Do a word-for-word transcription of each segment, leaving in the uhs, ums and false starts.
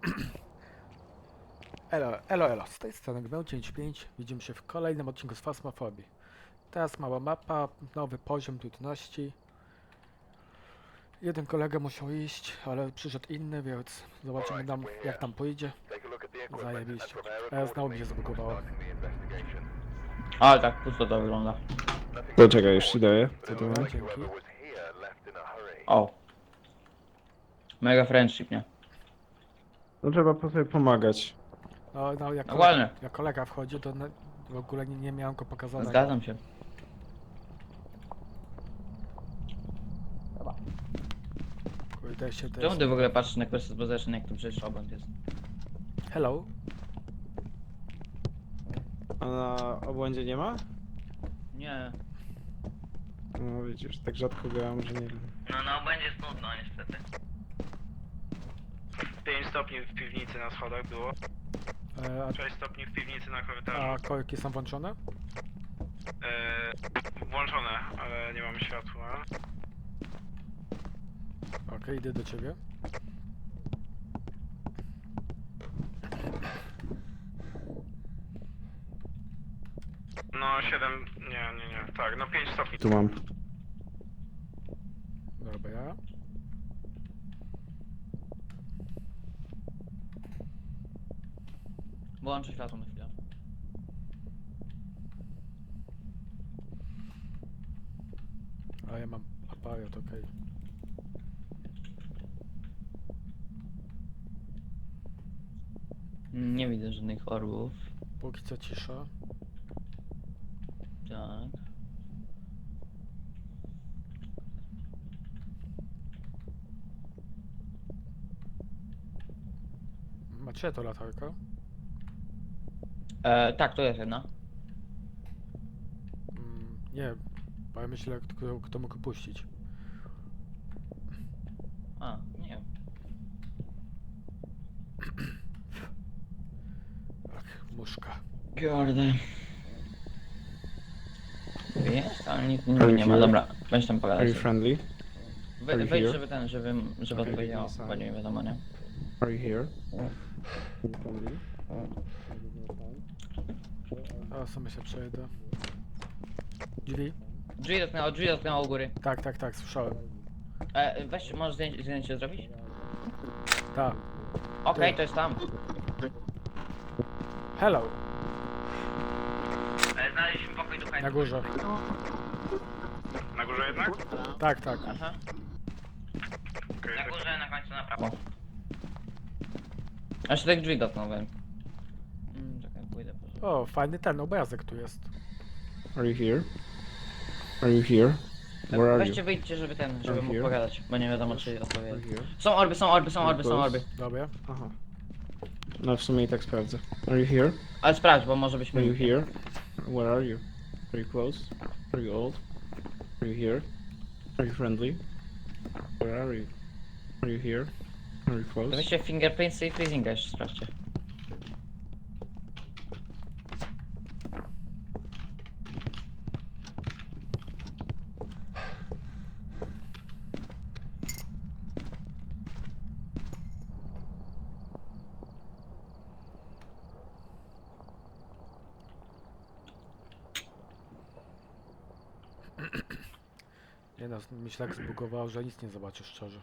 Elo, elo, elo, z tej strony Gmeł dziewięćdziesiąt pięć. Widzimy się w kolejnym odcinku z Phasmophobia. Teraz mała mapa, nowy poziom trudności. Jeden kolega musiał iść, ale przyszedł inny, więc zobaczymy nam, jak tam pójdzie. Zajebiście. A znowu mi się zbugowało. Ale tak pusto to wygląda. To czekaj, już ci daję. Co to Dobra, mam? dzięki. O. Mega friendship, nie? No trzeba po sobie pomagać. No, no jak, kolega, Dokładnie. jak kolega wchodzi, to na, w ogóle nie, nie miałem go pokazanego. Zgadzam się. Kurde się też... Czemu ty w ogóle patrzysz na Quest Possession, jak tu przecież obok jest? Hello. A na obłędzie nie ma? Nie. No widzisz, tak rzadko grałem, że nie wiem. No na obędzie jest nudno, niestety. pięć stopni w piwnicy na schodach było, E, sześć stopni w piwnicy na a, korytarzu. a korki są włączone? E, włączone, ale nie mamy światła. Okej, idę do ciebie. No siedem, nie, nie, nie, tak, no pięć stopni. Tu mam. Dobra. Włączę światło na chwilę. A ja mam aparat, okej. Nie widzę żadnych orbów. Póki co cisza. Tak. Macie to latarka? E, tak, to jest jedna. Mm, nie, bo ja myślę, kto, kto mógł puścić. A, nie wiem. Ach, muszka. Kurde. Jest, ale nic Are nie, you nie ma. here? Dobra, weź tam Are pogadać. you friendly? We, Are you wejdź, here? żeby ten, żeby, żeby Okay, odpowiedział, give me a bo sign. nie wiadomo, nie? Are you here? Are you friendly? A sobie się przejdę. Drzwi? Drzwi dotknęło, drzwi dotknęło u góry. Tak, tak, tak, słyszałem. E, weź, możesz zdjęcie, zdjęcie zrobić? Tak. Okej, to jest tam. Hello, E, znaleźliśmy pokój ducha. na górze. Na górze jednak? Tak, tak. Aha. Okej, Na tak. górze, na końcu na prawo. Aż tak drzwi dotknąłem. Mm, czekaj, pójdę po O, fajny ten obrazek tu jest. Are you here? Are you here? Where are Weźcie, you? wyjdźcie, żeby ten, żeby Are mógł here? pogadać, bo nie wiadomo czy Are odpowie. you here? Są orby, są orby, są orby, są orby. Dobra. Aha. No w sumie i tak sprawdzę. Are you here? Ale sprawdź, bo może byśmy... Are you here? Where are you? Are you close? Are you old? Are you here? Are you friendly? Where are you? Are you here? Are you To close? weźcie fingerprints i freezinga jeszcze sprawdźcie. Nie no, mi się tak zbugowało, że nic nie zobaczę szczerze.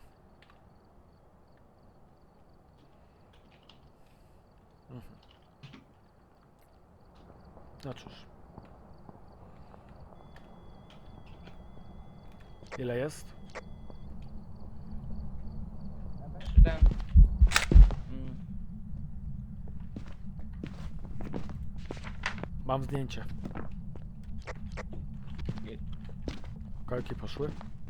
Mhm. No cóż. Ile jest? Ten... Mm, Mam zdjęcie. Korki poszły.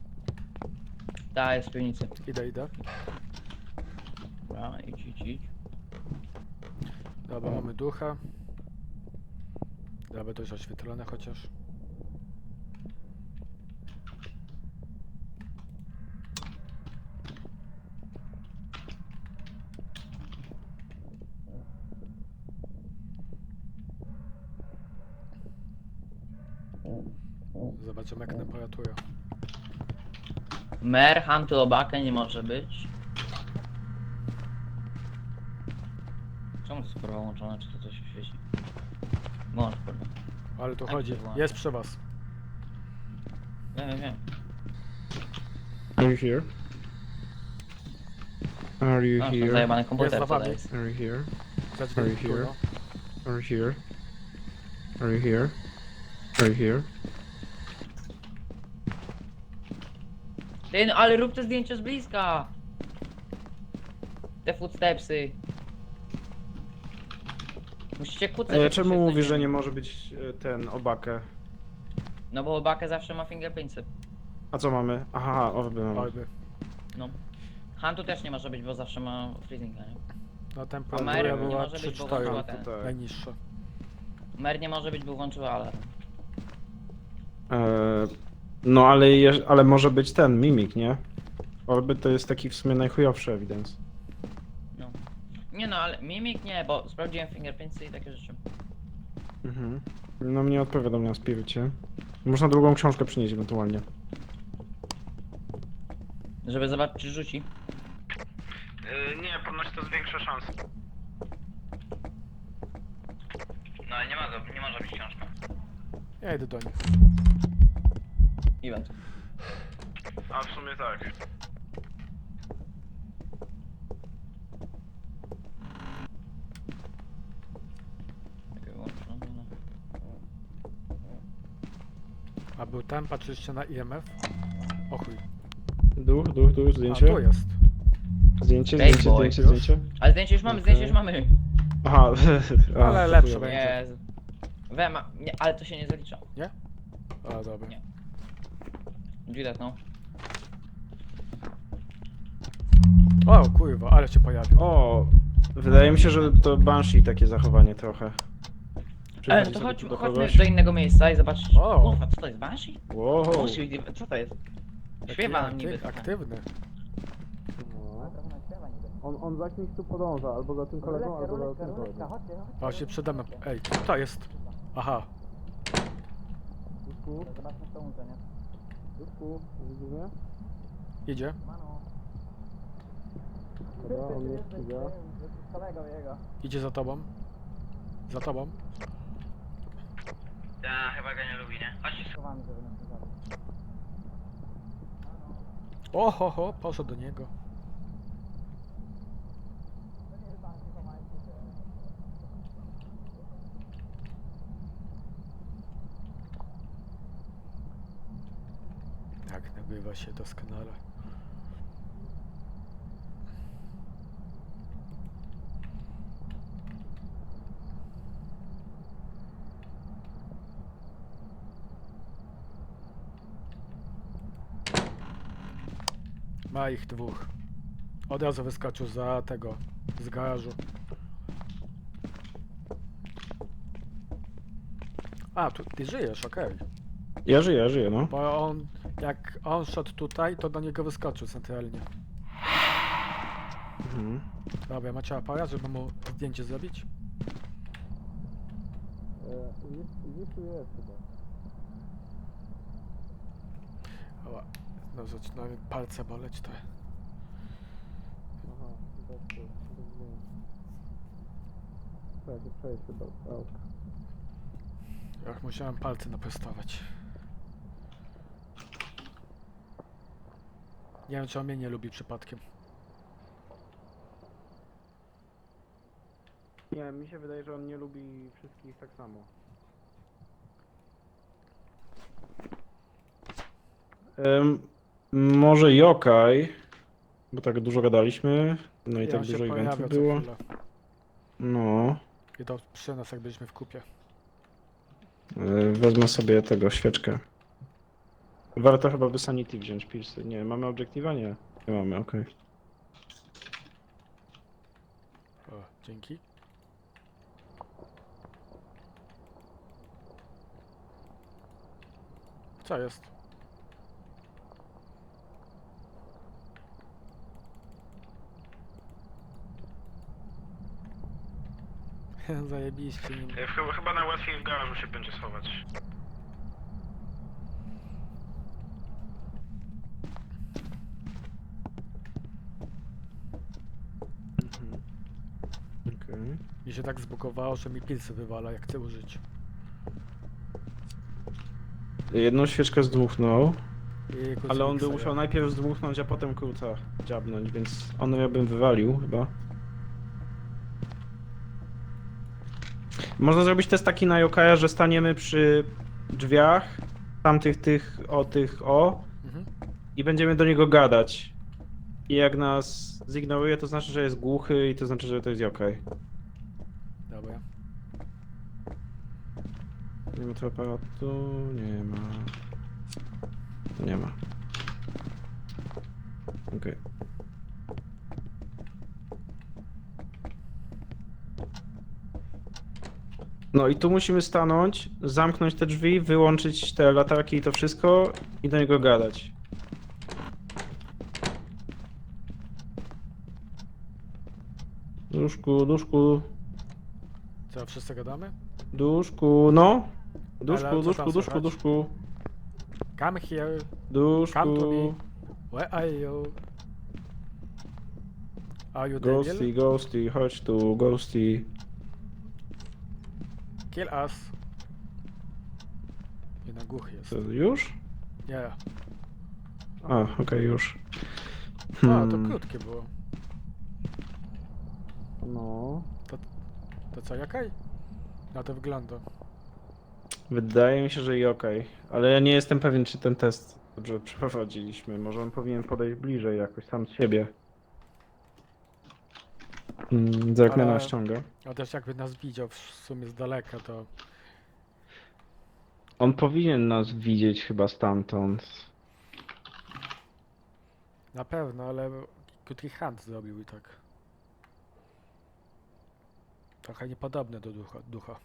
ta jest w piwnicy. Idę, idę. Dobra, idź, idź, idź. Dobra, mamy ducha. Dobra, dość oświetlone chociaż. Zobaczymy jak temperatura. Mer, Huntylobaka nie może być. Czemu to jest kurwa łączone, czy to coś świeci? Włącz kurwa. Ale tu Jak chodzi. się włącza? Jest przy was. Wiem, wiem, wiem. Are you here? Are you Masz ten here? zajebany Jest komputer, za co wami. jest. Are you here? Za Are drzwi. you Tu, here? no. Are you here? Are you here? Are you here? Ty, no ale rób te zdjęcie z bliska! Te footstepsy. Musicie kucać. E, jak czemu się mówisz, że znajdziemy. nie może być e, ten obakę? No bo Bakę zawsze ma fingerprintsy. A co mamy? Aha, orby mamy. Orby. No. Huntu też nie może być, bo zawsze ma freezinga, nie? No A temperatura Mary nie była może być, bo trzy cztery. włączyła To ten. tak. Najniższa. Mer nie może być, bo włączyła alarm. E, no ale, je, ale może być ten, mimik, nie? Orby to jest taki w sumie najchujowszy ewidens. No. Nie no, ale mimik nie, bo sprawdziłem fingerprintsy i takie rzeczy. Mhm. No mnie odpowiadam na spirycie. Można drugą książkę przynieść ewentualnie. Żeby zobaczyć, czy rzuci. Yy, nie, ponoć to zwiększa szanse. No ale nie ma, nie może być książka. Ja idę do nich. Event. A w sumie tak. Czekaj, wyłączę, no, no. A był tam, patrzyliście na I M F? O chuj. Duch, duch, duch, A zdjęcie? tu jest. Zdjęcie, Bad zdjęcie, boy. zdjęcie, Już? zdjęcie. Ale zdjęcie już mamy, zdjęcie już mamy. Aha, a, Ale to lepsze chujowe. będzie. Jezu. Wema, nie, ale to się nie zalicza. A dobra. Nie. Widać, no. O kurwa, ale się pojawił. O, wydaje mi się, że to Banshee takie zachowanie trochę. Ale Przychodzi no to sobie chodź, tu do chodźmy kogoś. do innego miejsca i zobaczyć. O. Kurwa, co to jest? Banshee? Wow. Banshee, co to jest? Śpiewa nam Jaki niby. aktyw, aktywny. On, on za kimś tu podąża, albo za tym kolegą, albo za tym kolegą. O, się przede mną. Ej, co to jest? Aha. Duszku, Zobaczmy co łączę, nie? duszku, widzisz mnie? Idzie. Dobra, on mnie ściga. Kolego jego. Idzie za tobą. Za tobą. Ja chyba go nie lubi, nie? Chodź. Schowamy, żeby nas nie zabił. O, ho, ho, poszedł do niego. Tak, nagrywa się doskonale. Ma ich dwóch. Od razu wyskoczył za tego, z garażu. A, tu, ty żyjesz, okej. Ja żyję, ja żyję, no. Bo on, jak on szedł tutaj, to do niego wyskoczył centralnie. Mhm. Dobra, macie aparat, żeby mu zdjęcie zrobić? Gdzieś tu jest chyba. Oła, no zaczynają palce boleć, to... Aha, tak, to rozumiem. Tak, przejść chyba. Jak musiałem palce naprostować. Nie wiem, czy on mnie nie lubi przypadkiem. Nie, mi się wydaje, że on nie lubi wszystkich tak samo. Um, może Yokai, bo tak dużo gadaliśmy, no i I tak on się dużo pojawia eventów co było. chwilę. No, I to przy nas, jak byliśmy w kupie. e, wezmę sobie tego świeczkę. Warto chyba by Sanity wziąć, pilsy. Nie, mamy obiektywa? Nie. Nie mamy, okej. O, dzięki. Co jest? Zajebiście. Nie... Yy, Chyba, chyba najłatwiej w garażu się będzie schować. Mhm. Okej. Mhm. Mi się tak zbugowało, że mi pilsy wywala, jak chcę użyć. Jedną świeczkę zdmuchnął, I ale on by krucyfiksa, musiał ja. najpierw zdmuchnąć, a potem kruca dziabnąć, więc on ja bym wywalił chyba. Można zrobić test taki na Yokaja, że staniemy przy drzwiach, tamtych tych, o tych, o, Mhm. i będziemy do niego gadać. I jak nas zignoruje, to znaczy, że jest głuchy i to znaczy, że to jest Yokai. Dobra. Nie ma tu aparatu, nie ma. Nie ma. Okej. No i tu musimy stanąć, zamknąć te drzwi, wyłączyć te latarki i to wszystko i do niego gadać. Duszku, duszku, Co, wszyscy gadamy? duszku, no. Ale Duszku, co duszku, tam duszku, słychać? duszku, Come here. duszku. Come to me. Where are you? Are you Ghosty, devil? ghosty, chodź tu, ghosty. Kill us. Jeden głuchy jest. Co, już? Nie. A, okej, już. A, to Hmm. krótkie było. No. To co, jakaj? Na to wygląda. Wydaje mi się, że i okej. Ale ja nie jestem pewien, czy ten test dobrze przeprowadziliśmy. Może on powinien podejść bliżej jakoś sam z siebie. Mm, Zerknę Ale- na ściągę. A też jakby nas widział w sumie z daleka, to... On powinien nas widzieć chyba stamtąd. Na pewno, ale krótki hand zrobił i tak. Trochę niepodobne do ducha. ducha.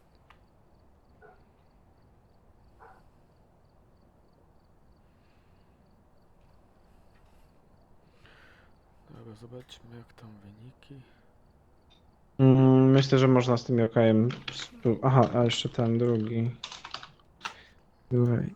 Dobra, zobaczmy jak tam wyniki. Mm, Myślę, że można z tym Yokajem... spró- Aha, a jeszcze ten drugi. Drugi.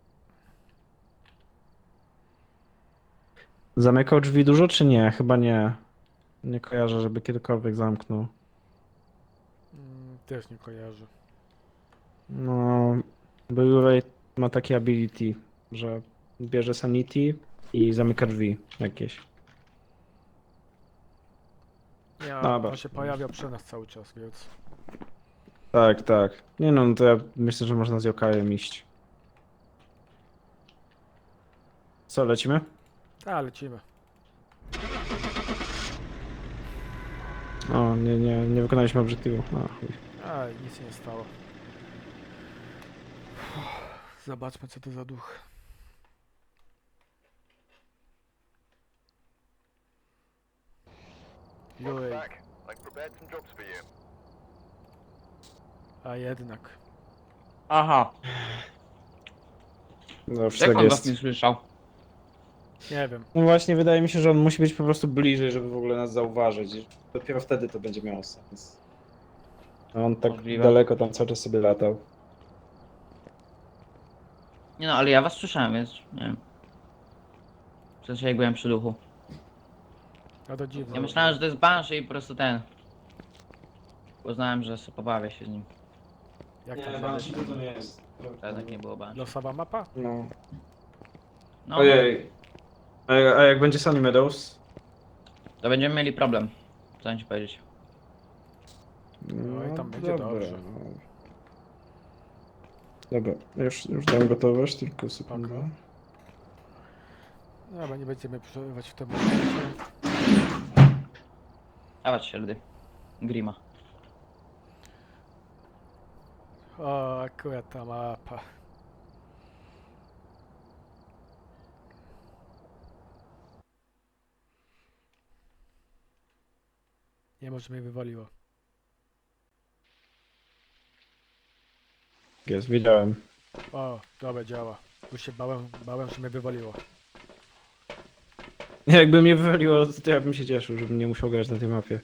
Zamykał drzwi dużo, czy nie? Chyba nie. Nie kojarzę, żeby kiedykolwiek zamknął. Mm, też nie kojarzę. No, Blu-ray ma takie ability, że bierze sanity i zamyka drzwi jakieś. Nie, Dobra. on się pojawiał przy nas cały czas, więc... Tak, tak. Nie no, no to ja myślę, że można z Yokajem iść. Co, lecimy? A, lecimy. O, nie, nie, nie wykonaliśmy obiektywu. A, chuj. A, nic się nie stało. Zobaczmy co to za duch. Juj, I've prepared some jobs for you. a jednak. Aha, Zawsze jak tak on was jest. nie słyszał? Nie wiem. No właśnie, wydaje mi się, że on musi być po prostu bliżej, żeby w ogóle nas zauważyć. I dopiero wtedy to będzie miało sens. A on tak Możliwe. daleko tam cały czas sobie latał. Nie no, ale ja was słyszałem, więc nie wiem. W sensie jak byłem przy duchu. No to dziwne. Ja myślałem, że to jest Banshee i po prostu ten. Uznałem, że sobie pobawię się z nim. Jak to Nie, się Banshee to nie jest. To jednak nie było Banshee. Losowa mapa? No. No, Ojej. A, a jak będzie Sunny Meadows? to będziemy mieli problem. Co mam ci powiedzieć? No i tam będzie dobrze. no. Dobra, już, już dam gotowość, tylko sekundę. Spoko. No, ale nie będziemy przerywać w tym momencie. Dawać się, lody. Grima. O, akurat ta mapa. Nie może mnie wywaliło. Jest, wiedziałem. O, dobra, działa. Już się bałem, bałem, że mnie wywaliło. Jakby mnie wywaliło, to ja bym się cieszył, żebym nie musiał grać na tej mapie.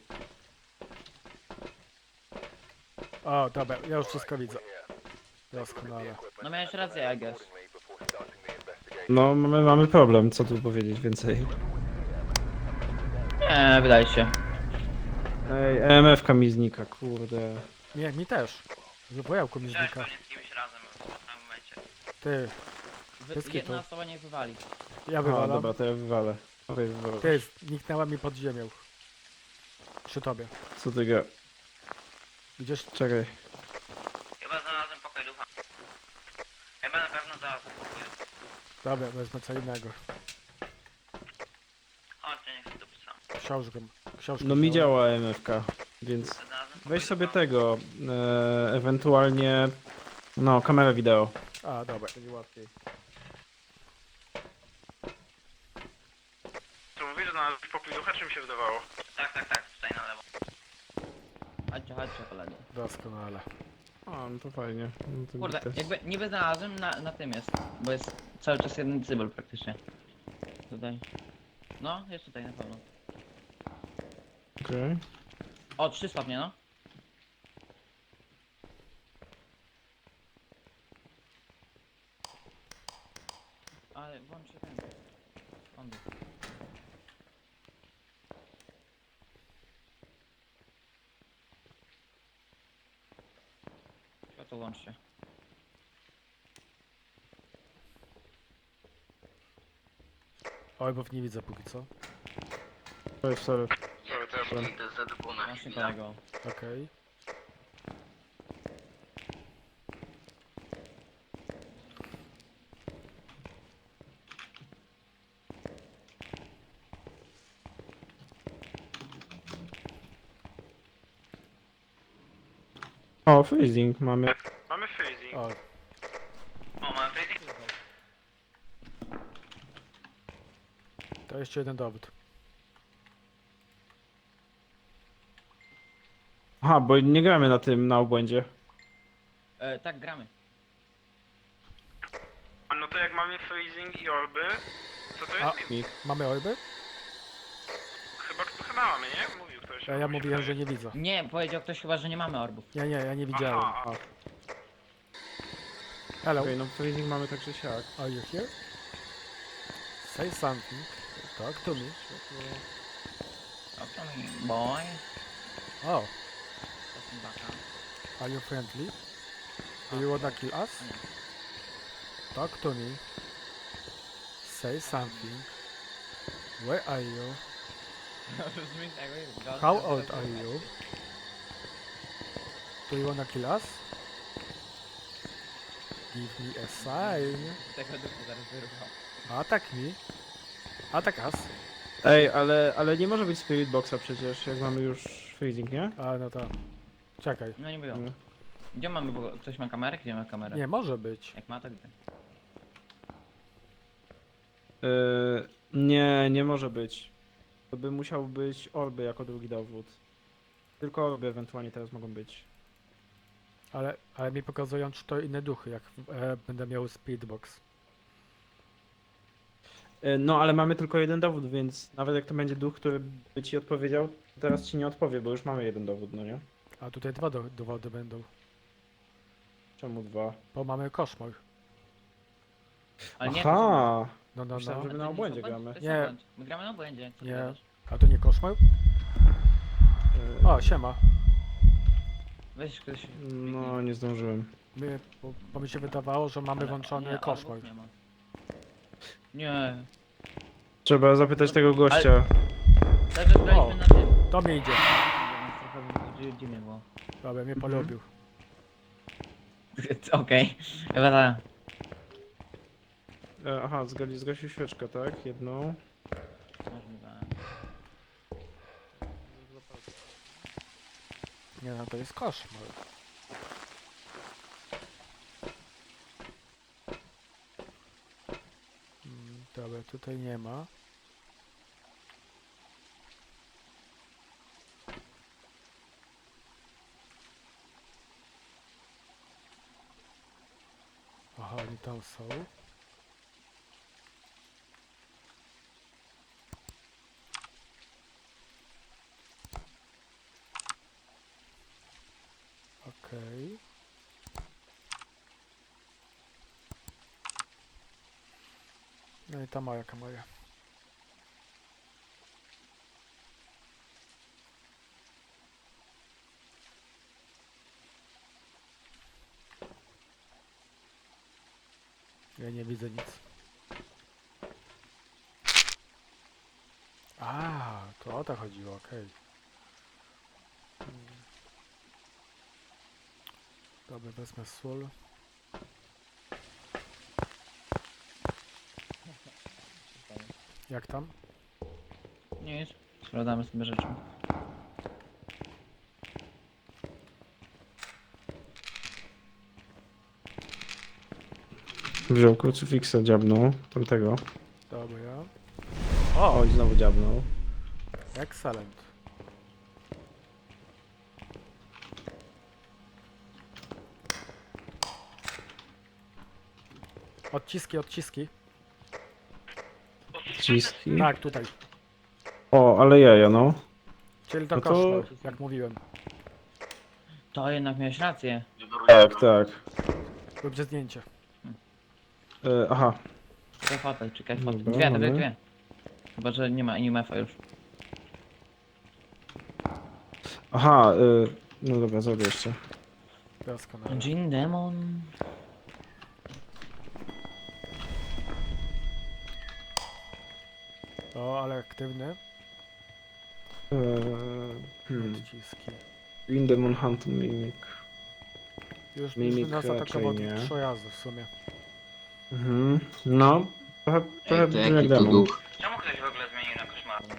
O, dobra, ja już wszystko widzę. Doskonale. No miałeś rację, I guess. No, mamy, mamy problem, co tu powiedzieć więcej. Nie, wydaje się. Ej, E M F-ka mi znika, kurde. Nie, mi też. Wybojałku mi Chciałeś znika. pewnie z kimś razem w tym momencie. Ty, Wy, Bez kitu. jedna osoba nie wywali. ja A, wywalam. dobra, to ja wywalę. Okej, wywalę. Ty, zniknęła mi pod ziemią. Przy tobie. Co ty ga... Idziesz? Czekaj. Chyba znalazłem pokój ducha. Chyba na pewno znalazłem pokój ducha. Dobra, wezmę co innego. Chodźcie, niech to pisam. Książkę. Książkę No mi wziąłem. działa E M F-ka, więc Znalazłem pokój weź sobie ducha. tego, e, ewentualnie, no, kamerę wideo. A, dobra. Będzie łatwiej. To mówisz, że znalazłeś pokój ducha, czy mi się wydawało? Tak, tak, tak, tutaj na lewo. Chodźcie, chodźcie koledzy. Doskonale. A, no to fajnie. No to Kurde, git. jakby niby znalazłem, na, na tym jest. Bo jest cały czas jeden cybel praktycznie. Tutaj. No, jest tutaj na pewno. Okej. O, trzy stopnie, no. Ale włączę ten. On był. Światło łączcie. Orbów nie widzę póki co. Oj, sorry. Sorry, to ja pójdę z Z dwa na Właśnie chwilę. kolego. Okej. O, freezing mamy. Mamy freezing. O, O, mamy freezing? to jeszcze jeden dowód. Aha, bo nie gramy na tym, na obłędzie. E, tak, gramy. A no to jak mamy freezing i orby, to to A. jest mi. Mamy orby? Chyba, chyba mamy, nie? Mówił ktoś. Ja, ja Mi się mówiłem, że wydaje. nie widzę. Nie, powiedział ktoś chyba, że nie mamy orbów. Nie, nie, ja nie widziałem. Aha, A, Hello, okej, no freezing mamy tak czy siak. are you here? Say something. Talk to me. Okay, boy. Oh, Jestem baka. are you friendly? Do you wanna kill us? Nie. Talk to me. Say something. Where are you? How old are you? Do you wanna kill us? Give me a sign. Tego duchu zaraz wyruchał. Attack me. Attack us. Ej, ale, ale nie może być spirit boxa przecież, jak mamy już freezing, nie? A, no to. Czekaj. No nie było. Nie. Gdzie mamy, bo ktoś ma kamerę? Gdzie ma kamerę? Nie, może być. Jak ma, to gdzie? Yy, nie, nie może być. To by musiał być orby jako drugi dowód. Tylko orby ewentualnie teraz mogą być. Ale, ale mi pokazują, czy to inne duchy, jak e, będę miał speedbox. Yy, no, ale mamy tylko jeden dowód, więc nawet jak to będzie duch, który by ci odpowiedział, to teraz ci nie odpowie, bo już mamy jeden dowód, no nie? A tutaj dwa do, dowody będą. Czemu dwa? Bo mamy koszmar. Ale nie, Aha! No, no, Myślałem, no. że my na obłędzie gramy. Nie. Nie. My gramy na obłędzie. Co ty Nie. gadasz? A to nie koszmar? Yy, O, siema. Weź ktoś. no, nie zdążyłem. My, bo, bo mi się wydawało, że mamy Ale- włączony nie, koszmar. orbów nie ma. Nie. Trzeba zapytać tego gościa. Cały czas graliśmy na tym. To mi idzie. Trochę dziwnie było. Dobra, mnie Mhm. polubił. Okej. Chyba tak. E, aha, zgasi, zgasił świeczkę, tak? Jedną. Możliwe. Nie no, to jest koszmar. Mm, Dobra, tutaj nie ma. Aha, oni tam są. Okej. No i ta moja kamera. Ja nie widzę nic. A, to o to chodziło, okej. Mm. Dobra, wezmę sól. Jak tam? Nic. Sprawdzamy sobie rzeczy. Wziął krucyfiksa, dziabnął tamtego. Dobra. O, Oj, znowu dziabnął. excellent. Odciski, odciski. Ciski. Tak, tutaj. O, ale jaja, no. Czyli to No to- koszmar, jak mówiłem. To jednak miałeś rację. Tak, tak. Róbcie zdjęcie. E, aha. Czekaj fotę, czekaj fotę. Dobra, Dwie, dwie, mamy. dwie. Chyba, że nie ma animefa już. Aha, y, no dobra, zrobię jeszcze. Doskonale. Jean Demon. O, ale aktywny. Eee, hmm. Odciski. Green Demon Hunt Mimic. Już, już Mimik nas raczej atakował nie. tych przejazdów w sumie. Mhm. No, trochę, trochę Ej, to brzmi jaki jak to demon. duch? Czemu ktoś w ogóle zmienił na koszmarny?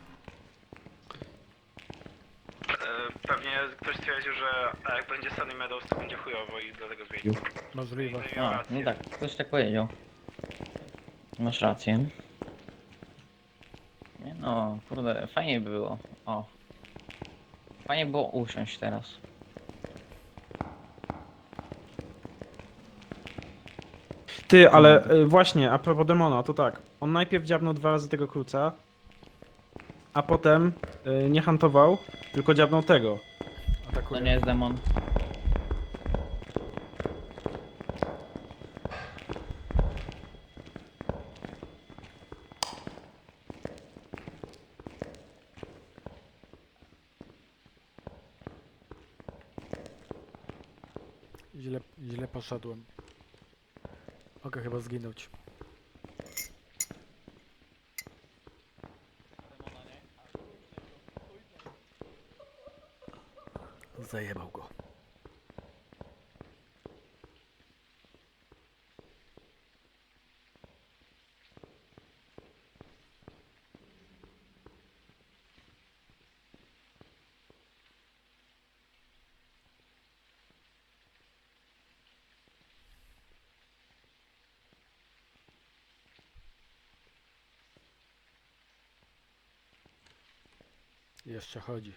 E, Pewnie ktoś stwierdził, że a jak będzie Sunny Meadows, to będzie chujowo i dlatego zmienił. Możliwe. No i miał A, rację. no tak, ktoś tak powiedział. Masz rację. Nie no, kurde, fajnie by było. O. Fajnie było usiąść teraz. Ty, ale y, właśnie, a propos demona, to tak. On najpierw dziabnął dwa razy tego kruca, a potem y, nie hantował, tylko dziabnął tego. To Atakuje. nie jest demon. Źle, źle poszedłem. Mogę chyba zginąć. Zajebał go. Jeszcze chodzi.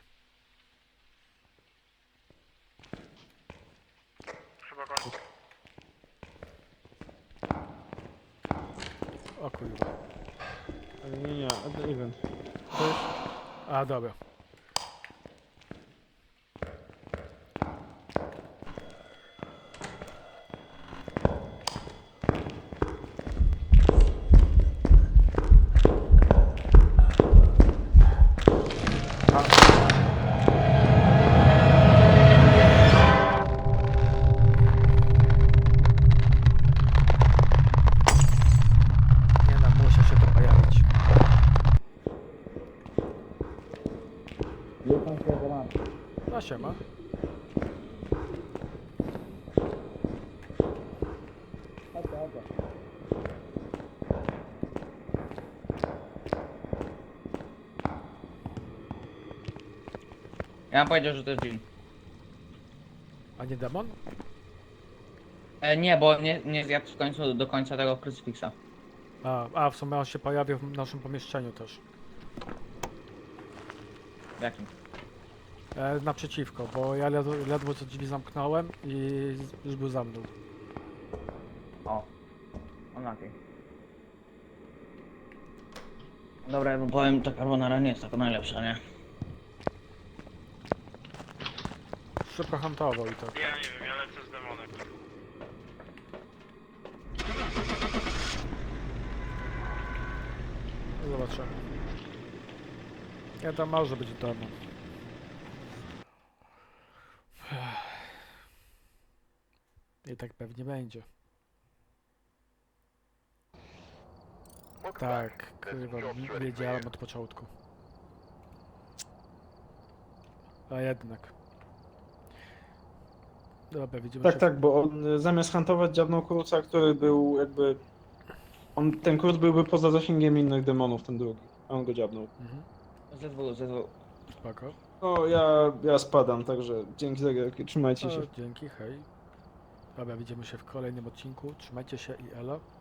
Chyba kończy. O kurwa. Ale nie, nie, a to event. A, dobra. Nie no, musi się to pojawić. No siema. Ja bym powiedział, że to jest Jean. A nie demon? E, nie, bo nie, nie zjadł w końcu do końca tego krucyfiksa. A, a w sumie on się pojawił w naszym pomieszczeniu też. W jakim? E, naprzeciwko, bo ja ledwo, ledwo co drzwi zamknąłem i z- już był za mną. O. On na tej. Dobra, ja wam powiem, ta carbonara nie jest taka najlepsza, nie? Szybko hantował i tak. Ja nie wiem, ja lecę z demonem. Zobaczymy. Ja tam może być demon. I tak pewnie będzie. Tak, kurwa, wi- wiedziałem od początku. A jednak. Dobra, widzimy Tak, się. tak, bo on y, zamiast huntować dziabnął kruca, który był jakby... On, ten kruc byłby poza zasięgiem innych demonów, ten drugi. A on go dziabnął. Mhm, ze dwóch, ze dwóch. spoko. O, ja, ja spadam, także dzięki za gierki, trzymajcie się. O, dzięki, hej. Dobra, widzimy się w kolejnym odcinku. Trzymajcie się i elo.